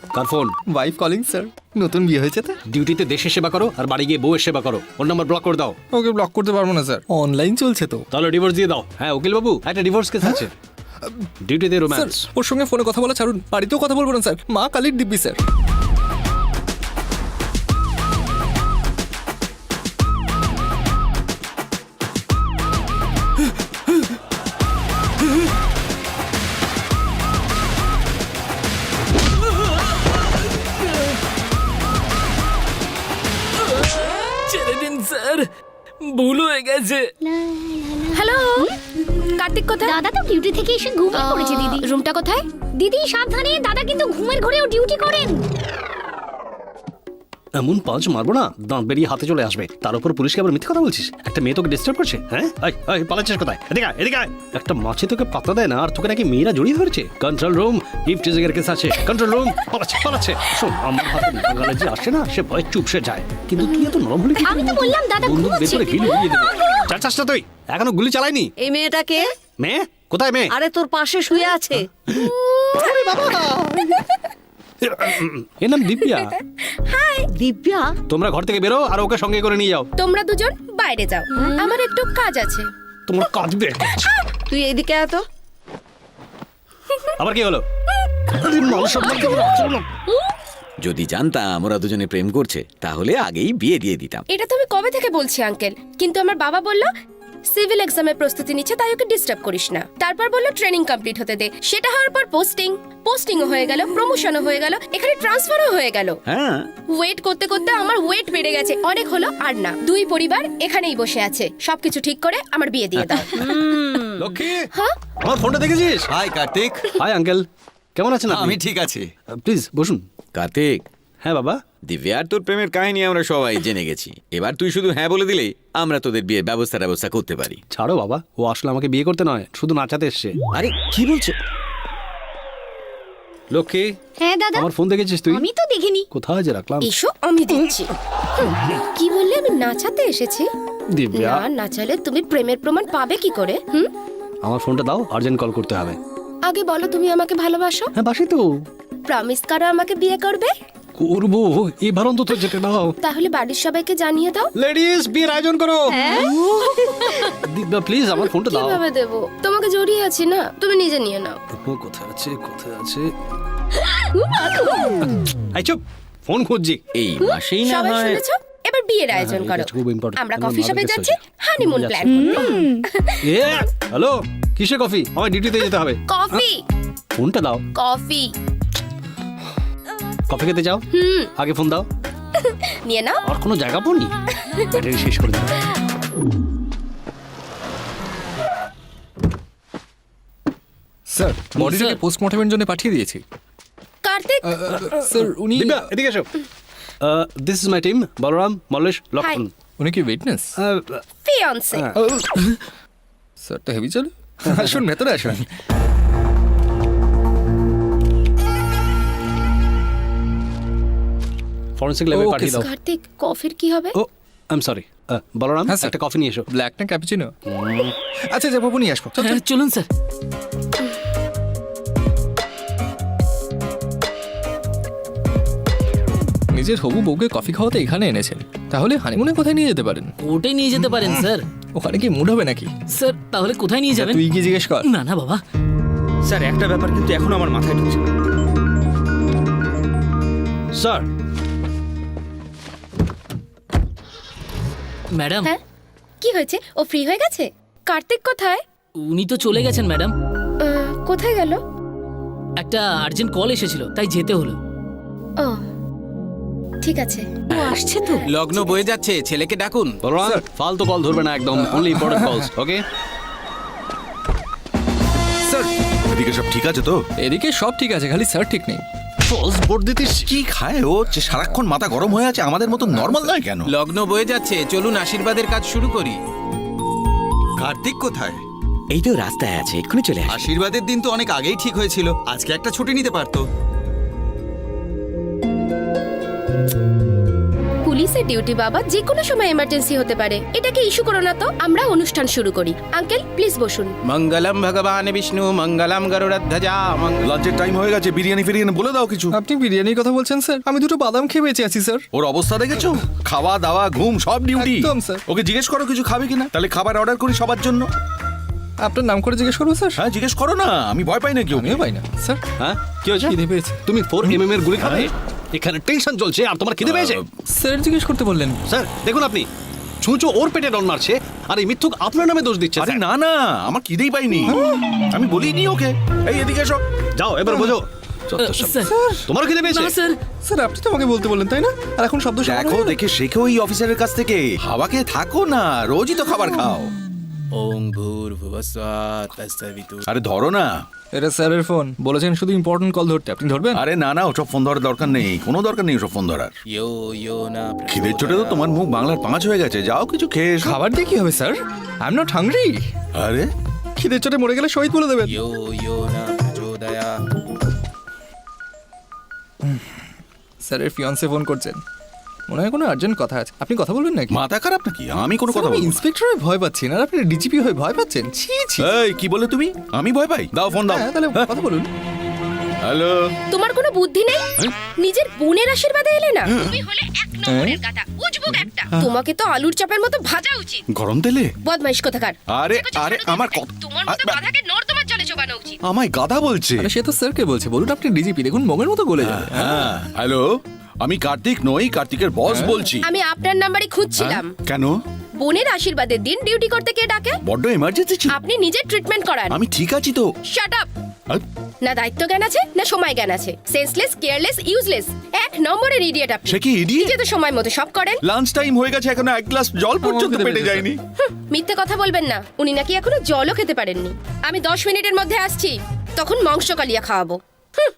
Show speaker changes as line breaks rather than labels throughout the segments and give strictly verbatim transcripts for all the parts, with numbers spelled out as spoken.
কার phone?
Wife calling sir, নতুন বিয়ে হয়েছে তো।
ডিউটিতে দেশের সেবা করো আর বাড়ি গিয়ে বউয়ের সেবা করো। ওর নাম্বার ব্লক করে দাও।
ওকে ব্লক করতে পারবো না স্যার, অনলাইন চলছে তো।
তাহলে ডিভোর্স দিয়ে দাও। হ্যাঁ উকিল বাবু, একটা ডিভোর্স কেস আছে। ডিউটিতে
স্যার
রোম্যান্স।
ওর সঙ্গে ফোনে কথা বলা ছাড়ুন, বাড়িতেও কথা বলবো না স্যার। মা কালীর দিব্যি স্যার।
ছেড়ে দিন স্যার, ভুল হয়ে গেছে।
হ্যালো, কার্তিক কোথায়?
দাদা তো ডিউটি থেকে এসে ঘুমিয়ে পড়েছে দিদি।
রুমটা কোথায়?
দিদি সাবধানে, দাদা কিন্তু ঘুমের ঘরেও ডিউটি করেন।
এমন পাঁচ মারবো না, দাঁত বেরিয়ে হাতে চলে আসবে। তার উপর পুলিশকে আবার মিথ্যে কথা বলছিস। একটা মেয়ে তোকে ডিস্টার্ব করছে। হ্যাঁ আয় আয়, পালাচ্ছিস কোথায়? এদিকে আয়, এদিকে আয়। একটা মাছি তোকে পাত্তা দেয় না, আর তোকে নাকি মেয়েরা জড়িয়ে ধরেছে। কন্ট্রোল রুম, ইফটিজিং এর কেস আছে। কন্ট্রোল রুম, পালাচ্ছে পালাচ্ছে। শোন, আমার হাতে নাগালে যে আসে না, সে ভয় চুপসে যায়। কিন্তু তুই এত নরম হলে কি?
আমি তো বললাম দাদা
বন্দুক বের
ঘুমোচ্ছে।
করে গিলে উড়িয়ে দেবে। চার চাষটা তুই এখনো গুলি চালায়নি।
এই মেয়েটাকে,
মেয়ে কোথায়? মেয়ে
আরে তোর পাশে শুয়ে আছে।
এর নাম দিব্যা।
দিব্যা,
তোমরা ঘর থেকে বেরো আর ওকে সঙ্গে করে নিয়ে যাও।
তোমরা দুজন বাইরে যাও, আমার একটু কাজ আছে।
তোমার কাজ বে।
তুই এদিকে আয় তো।
আবার কি হলো? আরে মান সম্মান কেমন রাখছো না?
যদি জানতাম ওরা দুজনে প্রেম করছে তাহলে আগেই বিয়ে দিয়ে দিতাম।
এটা তো আমি কবে থেকে বলছি আঙ্কেল, কিন্তু আমার বাবা বলল সিভিল এক্সামের প্রস্তুতি নিচ্ছে, তাই ওকে ডিস্টার্ব করিস না। তারপর বলল ট্রেনিং কমপ্লিট হতে দে। সেটা হওয়ার পর পোস্টিং, পোস্টিংও হয়ে গেল, প্রমোশনও হয়ে গেল, এখানে ট্রান্সফারও হয়ে গেল।
হ্যাঁ,
ওয়েট করতে করতে আমার ওয়েট বেড়ে গেছে, অনেক হলো আর না। দুই পরিবার এখানেই বসে আছে, সবকিছু ঠিক করে আমার বিয়ে দিয়ে দাও।
লক্ষ্মী,
হ্যাঁ?
আমার ফোনটা দেখেছিস?
হাই কার্তিক।
হাই আঙ্কেল, কেমন আছেন আপনি?
আমি ঠিক আছি।
প্লিজ বসুন।
কার্তিক,
হ্যাঁ বাবা।
দিব্যা আর তোর প্রেমের কাহিনী আমরা সবাই জেনে গেছি। এবার তুই শুধু হ্যাঁ বলে দিলেই আমরা তোদের বিয়ের ব্যবস্থা ব্যবস্থা করতে পারি।
ছাড়ো বাবা, ও আসলে আমাকে বিয়ে করতে নয়, শুধু নাচাতে এসছে।
আরে কি বলছো?
লক্ষ্মী,
হ্যাঁ দাদা,
আমার ফোন দেখেছিস তুই?
আমি তো দেখিনি।
কোথায় যে রাখলাম?
এসো আমি দিচ্ছি। হুম, কি বললে? আমি নাচাতে এসেছি?
দিব্যা,
না নাচালে তুমি প্রেমের প্রমাণ পাবে কি করে? হুম,
আমার ফোনটা দাও, আর্জেন্ট কল করতে হবে।
আগে বলো তুমি আমাকে ভালোবাসো।
হ্যাঁ বাসি তো।
প্রমিস করো আমাকে বিয়ে করবে।
করবো, এবার অন্তত যেতে দাও।
তাহলে বাড়ির সবাইকে জানিয়ে দাও।
লেডিস, বিয়ের আয়োজন করো। দিব্যা প্লিজ আমার ফোনটা দাও।
কিভাবে দেবো? তোমাকে জড়িয়ে আছি না, তুমি নিজে নিয়ে নাও।
ও কোথায় আছে, কোথায় আছে? এই চুপ, ফোন খুঁজছি।
এই মাসেই না
সবাই
হয়
শুনেছো? এবার বিয়ের আয়োজন
এটা
করো।
খুব important।
আমরা
আমার
কফি
মাথা
শপে
গেছে।
যাচ্ছি, হানিমুন প্ল্যান করতে।
এ হ্যালো, কিসে কফি? আমার ডিউটিতে যেতে হবে।
কফি,
ফোনটা দাও।
কফি।
কফি খেতে যাও,
হুম,
আগে ফোন দাও।
নিয়ে নাও।
আর কোনো জায়গা পাওনি? ব্যাটারি শেষ করে দিল।
স্যার বডিটাকে পোস্টমর্টমের জন্য পাঠিয়ে দিয়েছি।
কার্তিক,
স্যার উনি
দিব্যা এদিকে এসো। This is my team, Balram, Mallesh, Lakshman.
উনি কি উইটনেস?
ফিয়ান্সে।
স্যার তো হেভি চলে। আসুন ভেতরে আসুন।
ফরেন্সিক ল্যাবে
Okay,
পাঠিয়ে দাও।
কার্তিক, কফির কি হবে?
Oh I am sorry, Balram
হ্যাঁ, স্যার।
একটা কফি নিয়ে এসো।
ব্ল্যাক না ক্যাপুচিনো? আচ্ছা যাবো, নিয়ে আসবো। চল, চল।
চলুন স্যার।
নিজের হবু বউকে কফি খাওয়াতে এখানে এনেছেন, তাহলে হানিমুনে কোথায় নিয়ে যেতে পারেন?
ওটাই নিয়ে যেতে পারেন স্যার।
ওখানে কি মুড হবে নাকি?
স্যার তাহলে কোথায় নিয়ে যাবেন?
তুই কি জিজ্ঞেস কর।
না না বাবা,
স্যার একটা ব্যাপার কিন্তু এখন আমার মাথায় ঢুকছে না।
স্যার,
ম্যাডাম
হ্যাঁ, কি হয়েছে? ও ফ্রি হয়ে গেছে? কার্তিক কোথায়?
উনি তো চলে গেছেন ম্যাডাম।
আহ, কোথায় গেল?
একটা আর্জেন্ট কল এসেছিল তাই যেতে হলো।
ও ঠিক আছে।
ও আসছে তো।
লগ্ন বয়ে যাচ্ছে, ছেলেকে ডাকুন।
বলরাম ফালতু কল ধরবে না একদম, অনলি ইম্পর্টেন্ট কলস, ওকে?
স্যার এদিকে সব ঠিক আছে তো?
এদিকে সব ঠিক আছে, খালি স্যার ঠিক নেই।
ফলস বোর্ড দিতিস।
কি খায় ও যে সারাক্ষণ মাথা গরম হয়ে আছে, আমাদের মতো নর্মাল নয় কেন?
লগ্ন বয়ে যাচ্ছে, চলুন আশীর্বাদের কাজ শুরু করি। কার্তিক কোথায়?
এই তো রাস্তায় আছে, এক্ষুনি চলে আসে।
আশীর্বাদের দিন তো অনেক আগেই ঠিক হয়েছিল, আজকে একটা ছুটি নিতে পারতো।
পুলিশ
অফিসের ডিউটি বাবা, যে কোনো সময় এমার্জেন্সি হতে পারে। এটাকে ইস্যু করো না তো, আমরা অনুষ্ঠান শুরু করি। আঙ্কেল প্লিজ বসুন।
মঙ্গলম ভগবান বিষ্ণু মঙ্গলম গরুড়ধ্বজা মঙ্গল।
লাঞ্চের টাইম হয়ে গেছে, বিরিয়ানি ফিরিয়ানি বলে দাও কিছু।
আপনি বিরিয়ানির কথা বলছেন স্যার? আমি দুটো বাদাম খেয়ে বেঁচে আছি স্যার।
ওর অবস্থা দেখেছো? খাওয়া দাওয়া ঘুম সব ডিউটি।
একদম, স্যার।
ওকে জিজ্ঞেস করো কিছু খাবে কিনা, তাহলে খাবার অর্ডার করি সবার জন্য।
আপনার নাম করে জিজ্ঞেস করবো স্যার?
হ্যাঁ জিজ্ঞেস করো না, আমি ভয় পাই না কেউ।
আমিও পাই না স্যার।
হ্যাঁ কি হয়েছে?
খিদে পেয়েছে।
তুমি ফোর এম এম এর গুলি খাবে? এখানে টেনশন চলছে আর তোমার খিদে পেয়েছে?
স্যার জিজ্ঞেস করতে বললেন।
স্যার দেখুন, আপনি ছুঁচো ওর পেটে ডন মারছে আর এই মিথ্যুক আপনার নামে দোষ দিচ্ছে।
আরে
স্যার।
না না, আমার খিদেই পাইনি, আমি বলিনি ওকে। এই এদিকে এসো।
যাও এবার বোঝো। চত্বর সব।
স্যার
তোমার খিদে পেয়েছে?
না স্যার,
স্যার আপনি তো আমাকে বলতে বললেন তাই না? আর এখন শব্দ শোনা
দেখো
হলো না।
দেখে শেখো এই অফিসারের কাছ থেকে। হাওয়াকে থাকো না, রোজই তো খাবার খাও।
ওং ভূর্ভুবস্বাৎ তৎসবিতু।
আরে ধরো না।
এটা স্যারের ফোন, বলেছেন শুধু ইম্পর্টেন্ট কল ধরতে, আপনি ধরবেন?
আরে না না, ওসব ফোন ধরার দরকার নেই, কোনো দরকার নেই ওসব ফোন ধরার।
ইয়ো ইয়ো না
খিদের চোটে তো তোমার মুখ বাংলার পাঁচ হয়ে গেছে, যাও কিছু খেয়ে এসো।
খাবার দিয়ে কি হবে sir? I am not hungry.
আরে
খিদের চোটে মরে গেলে শহীদ বলে দেবেন।
ইয়ো ইয়ো না প্রচোদয়া।
স্যারের ফিয়ান্সে ফোন করছেন, মনে হয় কোনো আর্জেন্ট কথা আছে। আপনি কথা বলবেন নাকি?
মাথা খারাপ নাকি? আমি কোনো কথা
স্যার, আমি
বলবো না।
ইন্সপেক্টর হয়ে ভয় পাচ্ছি না, আর আপনি ডিজিপি হয়ে ভয় পাচ্ছেন। ছি ছি।
এই কি বলে তুমি? আমি ভয় পাই? দাও ফোন দাও।
হ্যাঁ তাহলে কথা বলুন।
হ্যালো।
তোমার কোনো বুদ্ধি নেই? নিজের বোনের আশীর্বাদে এলে না? তুমি হলে এক নম্বরের গাধা, উজবুক একটা। তোমাকে তো আলুর চাপের মতো ভাজা উচিত।
গরম তেলে?
বদমাইশ কোথাকার।
আরে আরে আমার কথা।
তোমার মতো গাধাকে নর্দমার জলে চোবানো উচিত।
আমায় গাধা বলছে।
আরে সে তো স্যারকে বলছে, বলুন আপনি ডিজিপি, দেখুন মগের মতো গলে যাবে।
হ্যাঁ হ্যালো, আমি কার্তিক নই, কার্তিকের বস বলছি।
আমি আপনার নাম্বারই খুঁজছিলাম।
কেন?
বোনের আশীর্বাদের দিন ডিউটি করতে কে ডাকে?
বড্ড এমার্জেন্সি ছিল।
আপনি নিজে ট্রিটমেন্ট করান।
আমি ঠিক আছি তো।
Shut up.
আরে,
না দায়িত্ব জ্ঞান আছে না সময় জ্ঞান আছে। সেন্সলেস, কেয়ারলেস, ইউজলেস, এক নম্বরের ইডিয়েট আপনি।
সে কি ইডিয়েট?
নিজে তো সময় মতো সব করেন।
লাঞ্চ টাইম হয়ে গেছে, এখনো এক গ্লাস জল পর্যন্ত
খিদে
পেটে
পেয়েছে,
যায়নি।
হুঁ, মিথ্যে কথা বলবেন না। উনি নাকি এখনো জলও খেতে পারেননি। আমি দশ মিনিটের মধ্যে আসছি, তখন মাংস কালিয়া খাওয়াবো। হুঁ,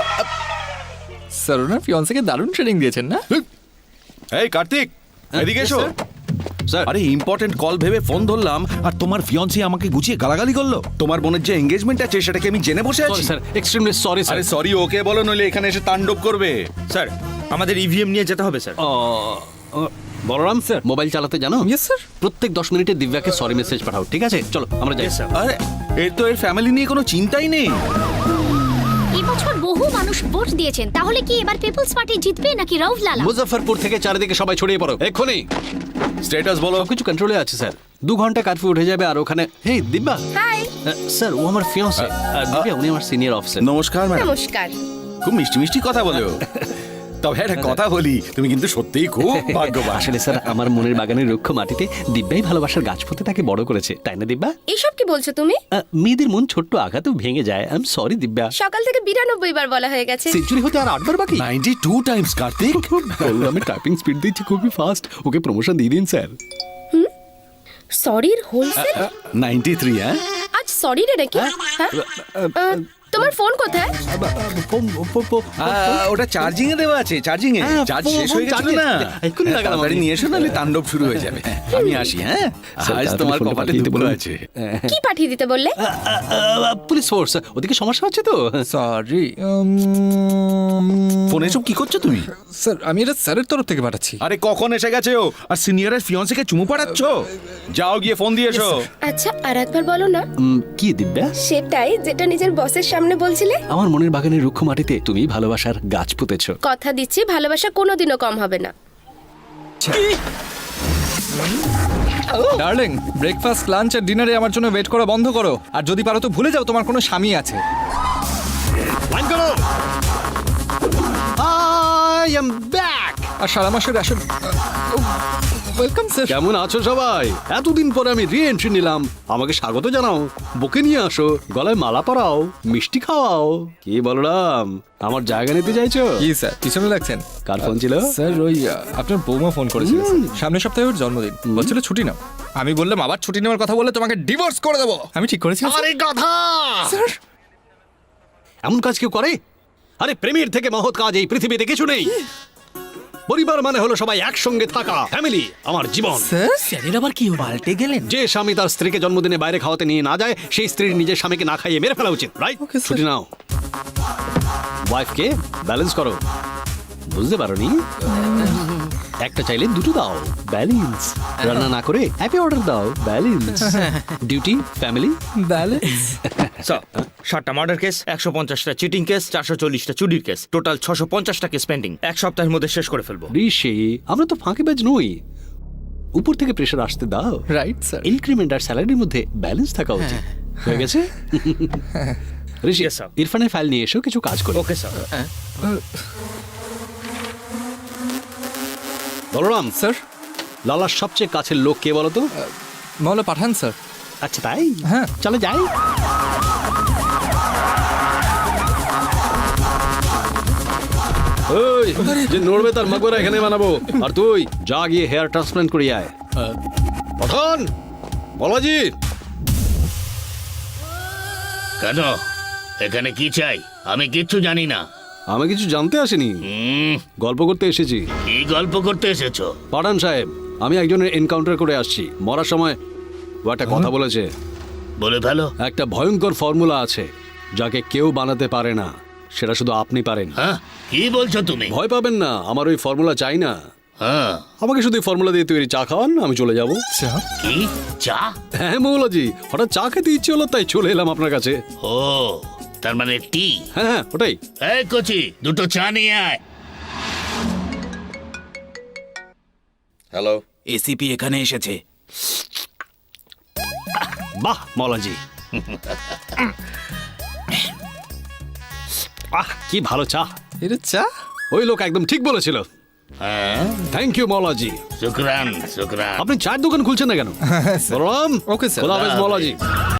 স্যার ওনার ফিয়ান্সেকে দারুণ ট্রেনিং দিয়েছেন না?
এই কার্তিক, এদিকে এসো।
স্যার
আরে ইম্পর্টেন্ট কল ভেবে ফোন ধরলাম, আর তোমার ফিয়ান্সি আমাকে গুছিয়ে গালাগালি করলো। তোমার বোনের যে এঙ্গেজমেন্ট আছে সেটাকে আমি জেনে বসে
সরি
আছি।
Sir, extremely sorry sir.
আরে সরি ওকে বলো, নইলে এখানে এসে তাণ্ডব করবে।
স্যার আমাদের ইভিএম নিয়ে যেতে হবে স্যার।
বলরাম স্যার, মোবাইল চালাতে জানো?
Yes sir.
প্রত্যেক দশ মিনিটে দিব্যাকে সরি মেসেজ পাঠাও, ঠিক আছে? চলো আমরা যাই।
স্যার।
আরে এর তো এর ফ্যামিলি নিয়ে কোনো চিন্তাই নেই।
এই বছর বহু মানুষ ভোট দিয়েছেন, তাহলে কি এবার পিপলস পার্টি জিতবে নাকি রাউফ লালা?
মুজফ্ফরপুর থেকে চারিদিকে সবাই ছড়িয়ে পড়ো এক্ষুনি।
স্ট্যাটাস বলো।
সবকিছু কন্ট্রোলে আছে স্যার। দু ঘন্টা কারফিউ উঠে যাবে আর ওখানে। Hey Divya.
Hi.
Ah, sir ও আমার ফিয়ান্সে। দিব্যা উনি আমার সিনিয়র অফিসার।
নমস্কার ম্যাডাম।
নমস্কার।
খুব মিষ্টি মিষ্টি কথা বলো। তবে একটা কথা বলি, তুমি কিন্তু সত্যিই খুব ভাগ্যবান।
আসলে স্যার আমার মনের বাগানের রুক্ষ মাটিতে দিব্যাই ভালোবাসার গাছ পুঁতে তাকে বড় করেছে, তাই না দিব্যা?
এইসব কি বলছো তুমি?
আহ, মেয়েদের মন ছোট্ট আঘাতেও ভেঙে যায়। I am sorry Divya.
সকাল থেকে বিরানব্বই বার বলা হয়ে গেছে।
সেঞ্চুরি হতে আর আটবার বাকি।
Ninety two times Kartik.
আমি টাইপিং স্পিড দিচ্ছি খুবই ফাস্ট। ওকে প্রমোশন দিয়ে দিন স্যার।
সরির হোলসেল?
Ninety three. হ্যাঁ
আজ সরি রে নাকি? হ্যাঁ? আহ, তোমার ফোন কোথায়?
আহ, ওটা চার্জিং এ দেওয়া আছে, চার্জিং এ।
হ্যাঁ,
চার্জ
ফোন-
শেষ হয়ে
ফোন
গেছে না।
চার্জে- এক্ষুনি লাগালাম
তাড়াতাড়ি
আমি।
নিয়ে এসো, নাহলে তাণ্ডব শুরু হয়ে যাবে। আমি আসি। হ্যাঁ
স্যার,
আজ
তাড়াতাড়ি
তোমার
ফোনটা
কপালে
পাঠিয়ে দিতে
দুপুর
বলুন।
আছে।
কি পাঠিয়ে দিতে বললে?
পুলিশ ফোর্স, ওদিকে সমস্যা হচ্ছে তো।
সরি
ফোনে এসব কি করছো তুমি?
স্যার, আমি এটা স্যারের তরফ থেকে পাঠাচ্ছি।
আরে কখন এসে গেছে ও? আর সিনিয়রের ফিয়ন্সিকে চুমু পাড়াচ্ছ? যাও গিয়ে ফোন দিয়ে এসো।
আচ্ছা আর একবার বলো না।
উম, কি দিব্যা?
সেটাই যেটা নিজের বসের সামনে বলছিলে।
আমার মনের বাগানের রুক্ষ মাটিতে তুমি ভালোবাসার গাছ পুঁতেছো।
কথা দিচ্ছি ভালোবাসা কোনোদিনও কম হবে না।
ডার্লিং, ব্রেকফাস্ট লাঞ্চ আর ডিনারে আমার জন্য ওয়েট করা বন্ধ করো। আর যদি পারো তো ভুলে যাও তোমার কোনো স্বামী আছে।
লাইন করো। I am back.
আর সারা মাসের রেশন। Welcome sir.
কেমন আছো সবাই? এতদিন পরে আমি রি এন্ট্রি নিলাম, আমাকে স্বাগত জানাও, বুকে নিয়ে আসো, গলায় মালা পরাও, মিষ্টি খাওয়াও। কি বলরাম, আমার জায়গা নিতে চাইছো?
কি স্যার পিছনে লাগছেন?
কার ফোন ছিল?
স্যার ওই আহ, আপনার বৌমা ফোন করেছিল স্যার। সামনের সপ্তাহে ওর জন্মদিন, বলছিল ছুটি নাও। আমি বললাম আবার ছুটি নেওয়ার কথা বললে তোমাকে ডিভোর্স করে দেবো। আমি ঠিক করেছি স্যার।
আরে গাধা!
স্যার
এমন কাজ কেউ করে? আরে প্রেমের থেকে মহৎ কাজ এই পৃথিবীতে কিছু নেই। পরিবার মানে হলো সবাই একসঙ্গে থাকা, ফ্যামিলি আমার জীবন।
স্যার
স্যারের আবার কি হলো?
পাল্টে গেলেন।
যে স্বামী তার স্ত্রীকে জন্মদিনে বাইরে খাওয়াতে নিয়ে না যায়, সেই স্ত্রীর নিজের স্বামীকে না খাইয়ে মেরে ফেলা উচিত, রাইট?
Okay, sir.
ছুটি নাও, ওয়াইফকে ব্যালেন্স করো। বুঝতে পারোনি? একটা চাইলে দুটো দাও, ব্যালেন্স। রান্না না করে হ্যাপি অর্ডার দাও, balance. Duty, family,
balance.
Sir ষাটটা মার্ডার কেস, একশো পঞ্চাশটা চিটিং কেস, চারশো চল্লিশটা চুরির কেস, টোটাল ছশো পঞ্চাশটা কেস পেন্ডিং। এক সপ্তাহের মধ্যে শেষ করে ফেলবো।
ঋষি, আমরা তো ফাঁকিবাজ নই। উপর থেকে প্রেশার আসতে দাও।
Right sir.
ইনক্রিমেন্ট আর স্যালারির মধ্যে ব্যালেন্স থাকা উচিত। হয়ে গেছে? Rishi,
Yes, sir.
ইরফানের ফাইল নিয়ে এসো, কিছু কাজ করো।
Okay sir.
বলরাম,
স্যার,
লালার সবচেয়ে কাছের লোক কে বলো তো?
মহলা পাঠান স্যার।
আচ্ছা তাই?
হ্যাঁ।
চলো যাই। ওই, যে নড়বে তার মাকবরা এখানে বানাবো। আর তুই যা গিয়ে হেয়ার ট্রান্সপ্লান্ট করিয়ে আয়। পঠান, বলাজি।
কেন এখানে কি চাই? আমি কিচ্ছু জানি না।
আমি কিছু জানতে আসিনি,
হুম,
গল্প করতে এসেছি।
কি গল্প করতে এসেছো?
পাঠান সাহেব, আমি একজনের এনকাউন্টার করে আসছি। মরার সময় ও একটা কথা বলেছে।
বলে ফেলো।
একটা ভয়ঙ্কর ফর্মুলা আছে যাকে কেউ বানাতে পারে না, সেটা শুধু আপনি পারেন।
হ্যাঁ, কি বলছো তুমি?
ভয় পাবেন না, আমার ওই ফর্মুলা চাই না।
হ্যাঁ,
আমাকে শুধু ফর্মুলা দিয়ে তৈরি চা খাওয়ান, আমি চলে যাব।
চা?
কি চা?
হ্যাঁ মৌলাজি, হঠাৎ চা খেতে ইচ্ছে হলো তাই চলে এলাম আপনার কাছে।
ও, তার মানে টি।
হ্যাঁ হ্যাঁ ওটাই।
এই কচি, দুটো চা নিয়ে আয়।
হ্যালো, এসিপি এখানে এসেছে।
বাহ মৌলাজি, আহ কি ভালো চা।
এটা চা?
ওই লোক একদম ঠিক বলেছিল।
হ্যাঁ,
থ্যাংক ইউ মৌলাজি।
শুক্রান শুক্রান।
আপনি চায়ের দোকান খুলছেন না কেন? Balaram,
Okay, sir.
খোদা হাফেজ মৌলাজি।